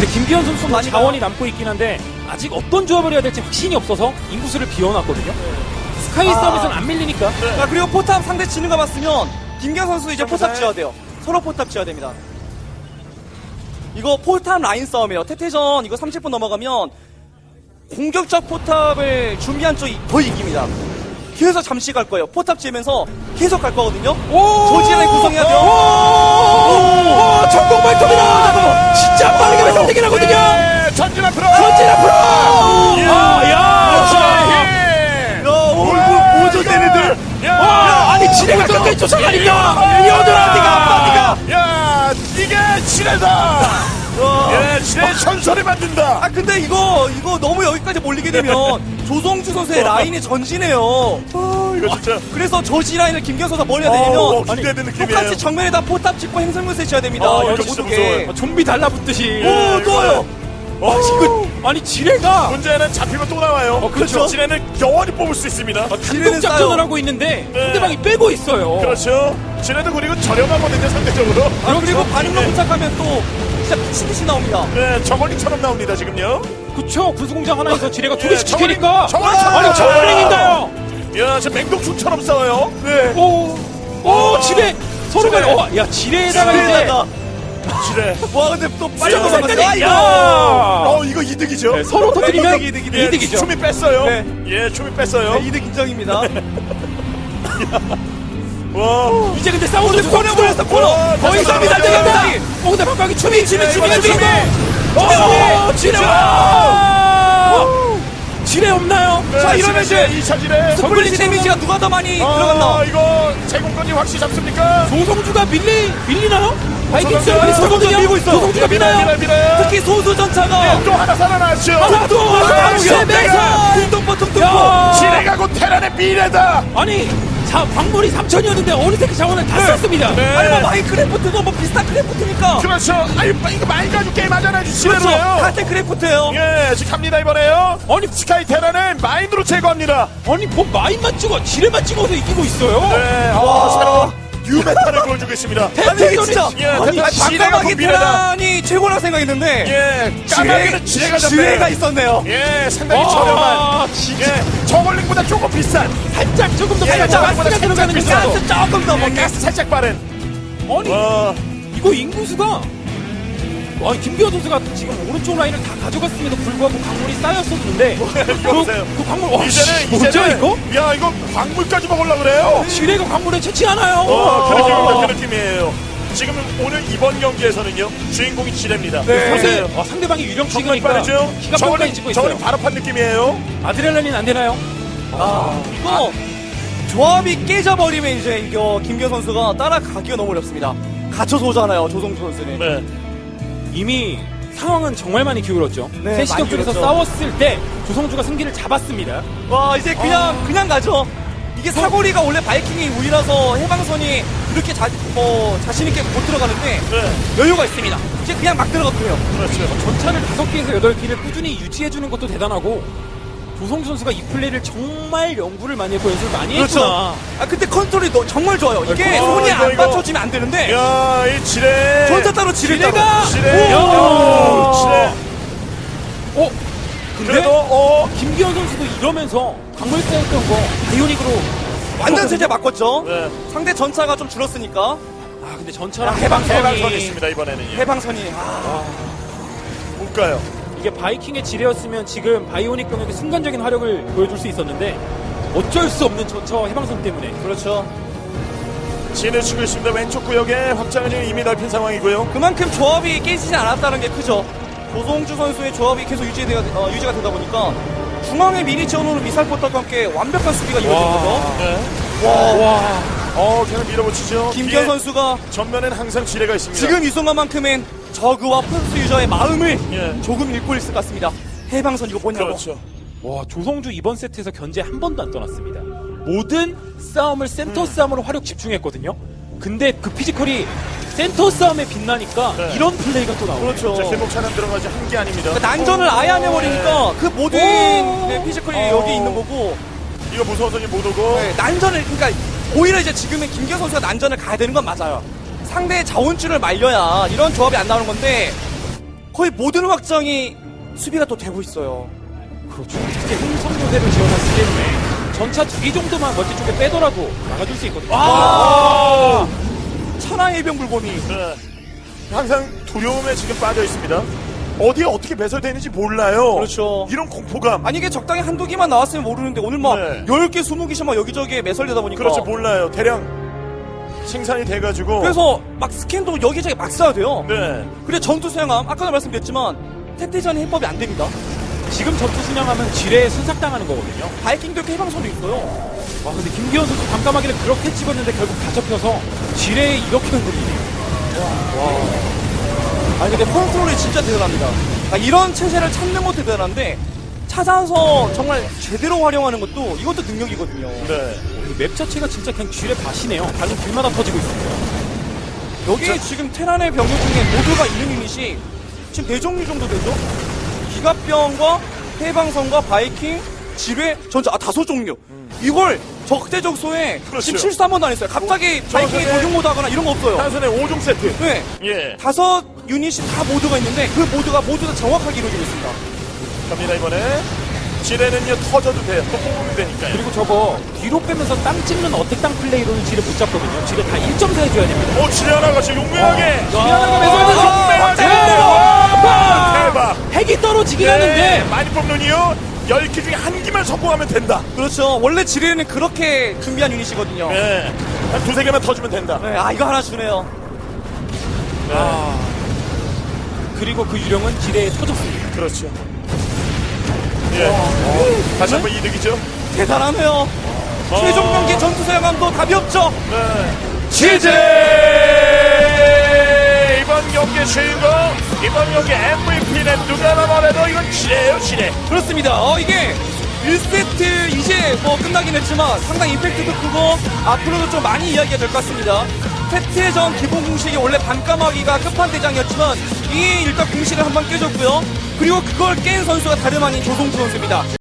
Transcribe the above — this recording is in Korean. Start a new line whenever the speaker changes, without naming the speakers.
근데 김기현 선수
많이
자원이 남고 있긴 한데 아직 어떤 조합을 해야 될지 확신이 없어서 인구수를 비워놨거든요. 스카이 싸움에서는 안 밀리니까.
자, 그리고 포탑 상대 지는 거 봤으면 김기현 선수 이제 포탑 지어야 돼요. 서로 포탑 지어야 됩니다. 이거 포탑 라인 싸움이에요. 태태전 이거 30분 넘어가면 공격적 포탑을 준비한 쪽이 거의 이깁니다. 계속 잠시 갈 거예요. 포탑 지으면서 계속 갈 거거든요. 조지라인 구성해야 돼요.
오, 전공 발톱이다. 진짜 빠르게
오.
발톱되긴 하거든요.
예, 전진 앞으로.
전진 앞으로.
예.
오조대네들.
야,
아니 지뢰가 끝까지 쫓아가니까 여드라니가
야, 이게 지뢰다. 예, 지뢰 전설을 만든다.
아 근데 이거 너무 여기까지 몰리게 되면 조성주 선수의 라인이 전진해요.
이거 진짜.
그래서 조지 라인을 김기현 선수가 뭘 해야
어,
되냐면
기대되는 느낌이에요.
똑같이 정면에다 포탑 찍고 행성물세 쳐야 됩니다.
이거
이렇게
진짜
모두게.
무서워요.
좀비 달라붙듯이.
오, 또요.
지금 아니 지뢰가
문제는 잡히면 또 나와요.
그렇죠.
지뢰는 영원히 뽑을 수 있습니다.
지뢰는
작전을
싸요.
하고 있는데
네.
상대방이 빼고 있어요.
그렇죠. 지뢰도 그리고 저렴하거든요, 상대적으로.
아, 그리고 반응로
네.
부착하면 또 진짜 미친듯이 나옵니다.
네, 저걸링처럼 나옵니다, 지금요.
그쵸. 군수공장 하나에서 지뢰가 두 개씩
저걸링,
지키니까.
저걸링처럼.
아니 저걸링인가요?
야, 지금 맹독충처럼 싸워요. 네.
오 지뢰 서로가 야 지뢰에다가 이제
지뢰에다가.
지뢰.
와 근데 또 빨리
수영
넘어갔어.
색깔이
아,
이거.
이거 이득이죠.
네, 서로 터뜨리면
이득이네.
예,
이득이죠.
춤이 뺐어요.
네.
예, 춤이 뺐어요.
네, 이득 인정입니다.
와.
이제 근데 싸우는
코너 보였어, 코너.
거의
잠깐만,
3이
잠깐만.
달려갑니다. 근데 박광이 춤이
지뢰.
지뢰 없나요?
자,
이러면
이제 2차 지뢰.
스플릿 데미지가 누가 더 많이 들어갔나?
이거 제공권이 확실히 잡습니까?
조성주가 밀리나요? 바이킹스
조성주
많이 쏘거든요.
밀고 있어.
조성주가 밀어요.
밀어요.
특히 소수 전차가
또 하나 살아났죠.
하나 또 세배서
둥둥버 둥둥버.
야.
지뢰가 곧 테란의 미래다.
아니 자 광물이 3천이었는데 어느 새끼 자원을 다 썼습니다.
네.
아니 뭐 마인크래프트도 뭐 비슷한 크래프트니까.
그렇죠. 아유, 이거 많이 가지고 게임 하잖아요.
그렇죠.
지뢰로요.
같은 크래프트예요.
예, 지금 갑니다 이번에요.
아니
스카이 테란을 마인드로 제거합니다.
아니 뭐 마인만 찍어 지뢰만 찍어서 이기고 있어요.
네,
와.
새로운 뉴메탈을 보여주고 있습니다.
아니 진짜.
예,
아니
지뢰가
잠깐만
곧 미래다.
테란이 최고라고 생각했는데.
예, 까마귀는 지뢰가
지뢰가
잡혀요.
있었네요.
예, 상당히
아,
저렴한.
진짜.
예, 저걸링보다 조금 비싼.
살짝 조금 더
예,
빨리
저거보다
가스가
살짝
들어가는
비싸요.
거죠.
가스 조금 더
예,
먹게.
가스 살짝 빠른.
아니
와,
이거 인구수가 김기현 선수가 지금 오른쪽 라인을 다 가져갔음에도 불구하고 광물이 쌓였었는데
이거 보세요.
그 광물 와
이제는
뭐죠 이거?
야, 이거 광물까지 먹으려 그래요.
지뢰가 광물에 채취 않아요.
그런 느낌입니다. 그 느낌이에요. 지금 오늘 이번 경기에서는요, 주인공이 지뢰입니다.
네.
보세요.
상대방이 유령
정말
찍으니까
빠르죠?
기가 뻥까지 찍고 있어요.
저걸링 바로 판 느낌이에요.
아드레날린 안 되나요?
이거 조합이 깨져버리면 이제 이거 김기현 선수가 따라가기가 너무 어렵습니다. 갇혀서 오잖아요, 조성주 선수는.
네.
이미 상황은 정말 많이 기울었죠.
네,
세 시경
많이
쪽에서
기울었죠.
싸웠을 때 조성주가 승기를 잡았습니다.
와 이제 그냥 가죠. 이게 사거리가 원래 바이킹이 우리라서 해방선이 그렇게 자신 있게 못 들어가는데
네.
여유가 있습니다. 이제 그냥 막 들어가고요.
그렇죠.
전차를 5개에서 8개를 꾸준히 유지해주는 것도 대단하고 조성주 선수가 이 플레이를 정말 연구를 많이 했고 연습을 많이 했구나.
아 근데 컨트롤이 정말 좋아요. 이게
아,
손이
이거,
안
이거.
받쳐지면 안 되는데
야, 이 지뢰.
전차 따로 지뢰 따로.
지뢰.
오.
지뢰.
근데
그래도
김기현 선수도 이러면서 광물 쌓였던 거 바이오닉으로
완전 세제 바꿨죠.
네.
상대 전차가 좀 줄었으니까
근데 전차랑
해방선이 있습니다 이번에는.
해방선이
못 가요.
이게 바이킹의 지뢰였으면 지금 바이오닉 병력의 순간적인 화력을 보여줄 수 있었는데 어쩔 수 없는 전차와 해방선 때문에
그렇죠.
진을 치고 있습니다. 왼쪽 구역에 확장은 이미 넓힌 상황이고요.
그만큼 조합이 깨지지 않았다는 게 크죠. 조성주 선수의 조합이 계속 유지가 되다 보니까 중앙에 미리 지어놓은 미사일 포탑과 함께 완벽한 수비가 이루어진 거죠.
네.
와
계속 밀어붙이죠.
김기현
뒤에
선수가
전면엔 항상 지뢰가 있습니다.
지금 이 순간만큼은 저그와 프로스 유저의 마음을
예.
조금 읽고 있을 것 같습니다. 해방선 이거 뭐냐고.
그렇죠.
와 조성주 이번 세트에서 견제 한 번도 안 떠났습니다. 모든 싸움을 센터 싸움으로 화력 집중했거든요. 근데 그 피지컬이 센터 싸움에 빛나니까
네.
이런 플레이가 또 나오죠.
그렇죠.
자, 길목 차량 들어가지 한 게 아닙니다.
그러니까 난전을 아예 안 해버리니까 그 모든 네, 피지컬이 여기 있는 거고
이거 무서워서 이제 못 오고.
네, 난전을 그러니까 오히려 이제 지금은 김기현 선수가 난전을 가야 되는 건 맞아요. 상대의 자원줄을 말려야 이런 조합이 안 나오는 건데 거의 모든 확장이 수비가 또 되고 있어요.
그렇죠. 특히 흥성요새를 지어놨기 때문에 전차 2기 정도만 멀티 쪽에 빼더라도 막아줄 수 있거든요.
아! 천하의 해병 불곰이.
네. 항상 두려움에 지금 빠져 있습니다. 어디에 어떻게 배설되는지 몰라요.
그렇죠.
이런 공포감.
아니 이게 적당히 한두 개만 나왔으면 모르는데 오늘 막
네.
10개, 20개씩 막 여기저기에 매설되다 보니까
그렇죠. 몰라요. 대량 생산이 돼가지고.
그래서 막 스캔도 여기저기 막 써야 돼요.
네.
그래 전투 수행함 아까도 말씀드렸지만 태태전이 해법이 안 됩니다.
지금 전투 순양하면 지뢰에 순삭당하는 거거든요.
바이킹도 이렇게 해방선도 있어요.
와, 근데 김기현 선수 밤까마귀를 그렇게 찍었는데 결국 다 접혀서 지뢰에 이렇게 흔들리네요.
아니 근데 컨트롤이 진짜 대단합니다. 그러니까 이런 체제를 찾는 것도 대단한데 찾아서 정말 제대로 활용하는 것도 이것도 능력이거든요.
네.
맵 자체가 진짜 그냥 지뢰 밭이네요. 가는 길마다 터지고 있습니다.
여기 지금 테란의 병력 중에 모두가 있는 유닛이 지금 4종류 정도 되죠? 기갑병과 해방선과 바이킹, 지뢰, 전차 5종류. 이걸 적대적소에
그렇죠.
지금 실수 한 번도 안 했어요. 갑자기 바이킹이
저번에-
도중 모드 하거나 이런 거 없어요.
단순에 5종 세트.
네.
예.
5 유닛이 다 모드가 있는데 그 모드가 모두 다 정확하게 이루어지고 있습니다.
갑니다, 이번에. 지뢰는요, 터져도 돼요. 또 뽑으면 되니까요.
그리고 저거 뒤로 빼면서 땅 찍는 어택 땅 플레이로는 지뢰 못 잡거든요. 지뢰 다 1.4 해줘야 됩니다.
지뢰 하나가 지금 용맹하게.
지뢰하나가
용맹하게. 와, 대박.
핵이 떨어지긴
네,
하는데
많이 뽑는이요. 10개 중에 한 개만 성공하면 된다.
그렇죠. 원래 지뢰는 그렇게 준비한 유닛이거든요. 네.
네. 한 2-3개만 터주면 된다.
아 이거 하나 주네요.
네.
그리고 그 유령은 지뢰에 터졌습니다.
그렇죠. 예. 다시 한번 이득이죠.
대단하네요. 최종 경기 전투 사용함도 답이 없죠.
네. 치즈! 이번 경기 주인공, 이번 경기 MVP는 누가 나더라도 이건 지뢰예요, 지뢰.
그렇습니다. 이게 1세트 이제 뭐 끝나긴 했지만 상당히 임팩트도 크고 앞으로도 좀 많이 이야기가 될 것 같습니다. 태태전 기본 공식이 원래 밤까마귀가 끝판대장이었지만 이 일단 공식을 한번 깨줬고요. 그리고 그걸 깬 선수가 다름 아닌 조성주 선수입니다.